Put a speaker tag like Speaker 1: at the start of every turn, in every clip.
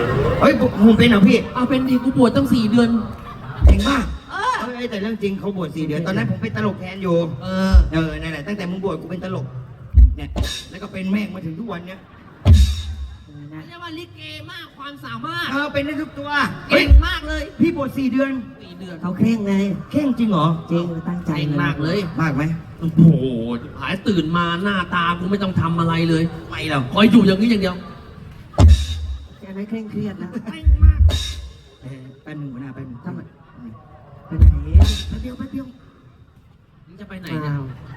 Speaker 1: เฮ้ยผมเป็นเหรอพี่
Speaker 2: เอาเป็นดีกูบวชตั้ง4 เดือน
Speaker 1: เก่งมากแต่เรื่องจริงเขาบวช4 เดือนตอนนั้นผมเป็นตลกแทนอยู่นั่นแหละตั้งแต่มึงบวชกูเป็นตลกเนี่ยแล้วก็เป็นแม่งมาถึงทุกวันเนี้ย
Speaker 2: เรียกว่าลิเกมากความสามารถ
Speaker 1: เป็นได้ทุกตัว
Speaker 2: เก่งมากเลย
Speaker 1: พี่บวช4 เดือน
Speaker 3: เขาเข่งไง
Speaker 1: เข่งจริงเหรอ
Speaker 3: จริงตั้งใจ
Speaker 2: มากเลย
Speaker 1: มากไหม
Speaker 2: โอ้โหหายตื่นมาหน้าตากูไม่ต้องทำอะไรเลย
Speaker 1: ไม่หรอก
Speaker 2: คอยอยู่อย่างนี้อย่างเดียว
Speaker 3: แกไม่เคร่งเครียดนะ
Speaker 2: เก่งมาก
Speaker 1: แป๊บนึงหัวหน้าแป๊บนึง
Speaker 3: ทำไมไปไหน
Speaker 1: แป๊บเดียว
Speaker 2: มึงจะไปไหนเนี่ย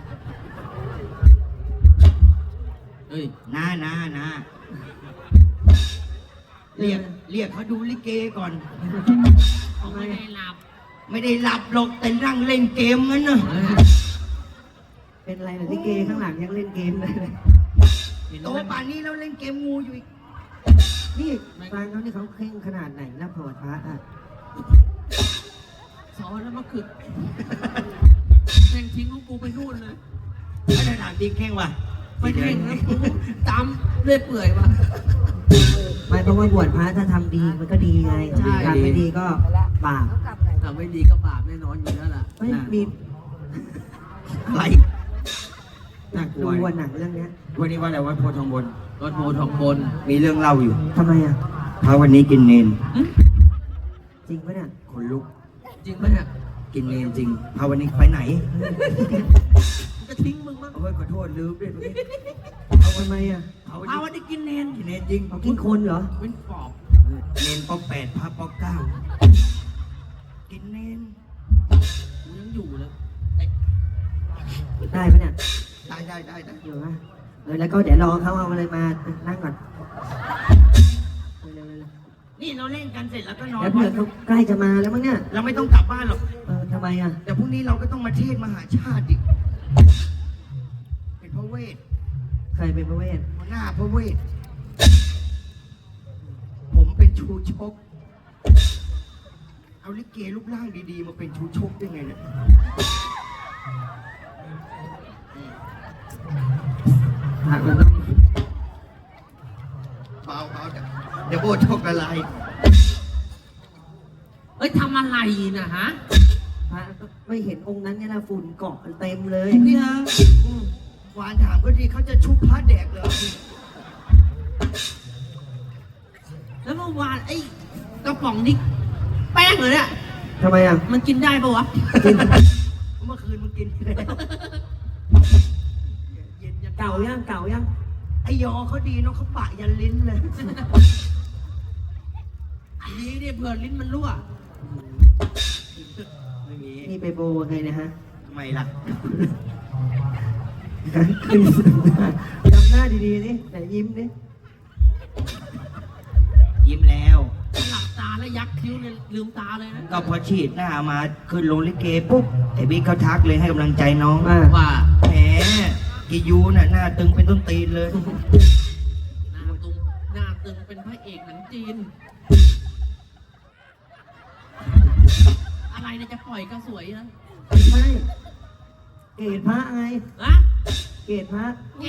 Speaker 2: เฮ้ย
Speaker 1: น้าเรียกเขาดูลิเกก่อน
Speaker 2: เขาไม่ได้ห
Speaker 1: ลับหรอกแต่นั่งเล่นเกมงั้นน่ะ
Speaker 3: เป็นไรล่ะลิเกข้างหลังยังเล่นเกมเลย
Speaker 1: โตป่านนี้เราเล่นเกมงูอยู่อีก
Speaker 3: นี่ฟังเขานี่เขาเข่งขนาดไหนนะพระพระอ่ะ
Speaker 2: สอนแล้วมาขึกแข่งทิ้งของกูไปนู่นเลย
Speaker 1: ไม่ได้ถามจริงเข่งว่ะ
Speaker 2: ไม่เข่งนะกูจำเรื่อยเปื่อยว่ะ
Speaker 3: ไม่เพราะว่าบวชพระถ้าทำดีมันก็ดีไงทำไม่ดีก็บาป
Speaker 2: ทำไม่ดีก็บาปแน่นอนอยู่แล้วล่ะ
Speaker 3: ไม่มี
Speaker 1: อะไรน่ากลัว
Speaker 3: วันหนังเรื่องนี้
Speaker 1: วันนี้ว่าอะไรวัดโพธิ์ทองบน
Speaker 2: วัดโพธิ์ทองบน
Speaker 1: มีเรื่องเล่าอยู่
Speaker 3: ทำไมอ่ะ
Speaker 1: พระวันนี้กินเนน
Speaker 3: จริงปะเนี่ย
Speaker 1: คนลุก
Speaker 2: จริงปะเนี่ย
Speaker 1: กินเนนจริงพระวันนี้ไปไหน
Speaker 2: จะทิ้งมึงมั้ง
Speaker 1: เฮ้ยขอโทษลืมด้วย
Speaker 3: เอาทำไมอ่ะ
Speaker 1: พระวันนี้กินเนนจริง
Speaker 3: กินคนเหรอ
Speaker 2: เป็นปอบ
Speaker 1: เนนปอก8พระปอก9กินเนน
Speaker 2: กูยังอยู่เลย
Speaker 3: ได้ปะเนี่ย
Speaker 1: ได้
Speaker 3: อยู่ปะแล้วก็เดี๋ยวรอเขาเอาอะไรมานั่งก่อน
Speaker 1: นี่เราเล่นกันเสร็จแล้วก็นอน
Speaker 3: แล้วเผื่อเขาใกล้จะมาแล้วมั้งเนี่ย
Speaker 1: เราไม่ต้องกลับบ้านหรอก
Speaker 3: ทำไมอ่ะ
Speaker 1: แต่พรุ่งนี้เราก็ต้องมาเทศมหาชาติอีกเป็นพระเวท
Speaker 3: ใครเป็นพระเวท
Speaker 1: หัวหน้าพระเวทผมเป็นชูชกเอาลิเกรูปร่างดีๆมาเป็นชูชกได้ไงเนี่ย
Speaker 3: มันต้อง
Speaker 1: เบาเดี๋ยวโบชกอะไร
Speaker 2: ทำอะไรนะฮะ
Speaker 3: ไม่เห็นองค์นั้นเนี่ยนะฝุ่นเกาะเต็มเลย
Speaker 1: นี่ฮะหวานถามก็ดีเขาจะชุบพระแดกเลย
Speaker 2: แล้วเมื่อวานไอ้กระป๋องนี่แป้งเลยเนี่ย
Speaker 3: ทำไมอ่ะ
Speaker 2: มันกินได้ปะวะ
Speaker 1: เมื่อคืนมันกินแล้ว
Speaker 3: เก่ายัง
Speaker 1: ไอยอเขาดีเนาะเขาปะยันลิ้นเลย
Speaker 2: นี่เนี่ยเผื่อลิ้นมันรั่ว
Speaker 1: ไม่มี
Speaker 3: นี่ไปโบไงนะฮะ
Speaker 1: ไม่ละ
Speaker 3: ทำหน้าดีๆนี่แต่ยิ้มนี่
Speaker 1: ยิ้มแล้ว
Speaker 2: หลับตาแล้วยักคิ้วเนี่ยลืมตาเลยนะ
Speaker 1: ก็พอฉีดหน้ามาขึ้นลงลิเกปุ๊บไอ้บิ๊กเขาทักเลยให้กำลังใจน้อง
Speaker 2: ว่า
Speaker 1: แหมกิยูน่ะหน้าตึงเป็นต้นตีนเลย
Speaker 2: หน้าตึงเป็นพระเอกหนังจีนอะไรเนี่ยจะปล่อยก็สวยนะ
Speaker 3: ไม่เกศพระไงเกศพระ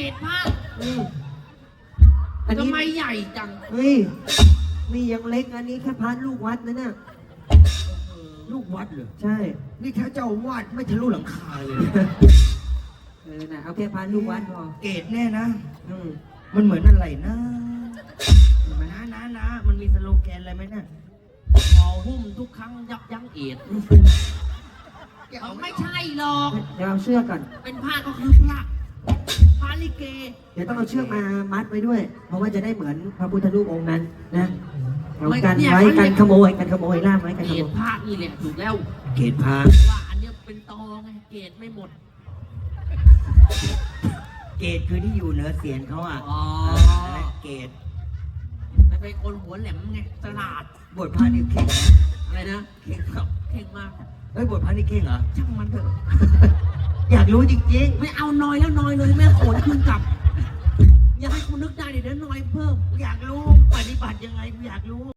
Speaker 2: ทำไมใหญ่จัง
Speaker 3: นี่ยังเล็กอันนี้แค่พระลูกวัดนะเนี่ย
Speaker 1: ลูกวัดเหรอ
Speaker 3: ใช่
Speaker 1: นี่ถ้าเจ้าวาดไม่ทะลุหลังคาเลย
Speaker 3: นะเอาแค่พระลูกวัดพอ
Speaker 1: เกศแน่นะมันเหมือนอะไรนะมันมีสโลแกนอะไรไหมเนี่ย
Speaker 2: หอหุ้มทุกครั้งยับยั้งเอดไม่ใช่หรอก
Speaker 3: เดี๋ยวเอาเชือกก่อน
Speaker 2: เป็นผ้าก็คือพระลิเก
Speaker 3: เดี๋ยวต้องเอาเชือกมามัดไว้ด้วยเพราะว่าจะได้เหมือนพระพุทธรูปองค์นั้นนะเอากันไว้กันขโมยล่ามไว้กันขโมย
Speaker 2: ผ้านี่แหละถูกแล้ว
Speaker 1: เกศผ้า
Speaker 2: ว่าอันนี้เป็นตอไงเกศไม่หมด
Speaker 1: เกศคือที่อยู่เหนือเสียนเขาอ่ะเกศ
Speaker 2: ไม่เป็นคนหัวแหลมไงตลาด
Speaker 1: บทพระนี่เข่ง
Speaker 2: อะไรนะ
Speaker 1: เข่งครับ
Speaker 2: เข่งมาก
Speaker 1: บทพระนี่เข่งเหรอ
Speaker 2: ช่างมันเถอะ
Speaker 1: อยากรู้จริง
Speaker 2: ๆไม่เอาน้อยแล้วน้อยเลยแม่โขนคืนกลับอยากให้คุณนึกได้เดี๋ยวน้อยเพิ่ม
Speaker 1: อยากรู้ปฏิบัติยังไงอยากรู้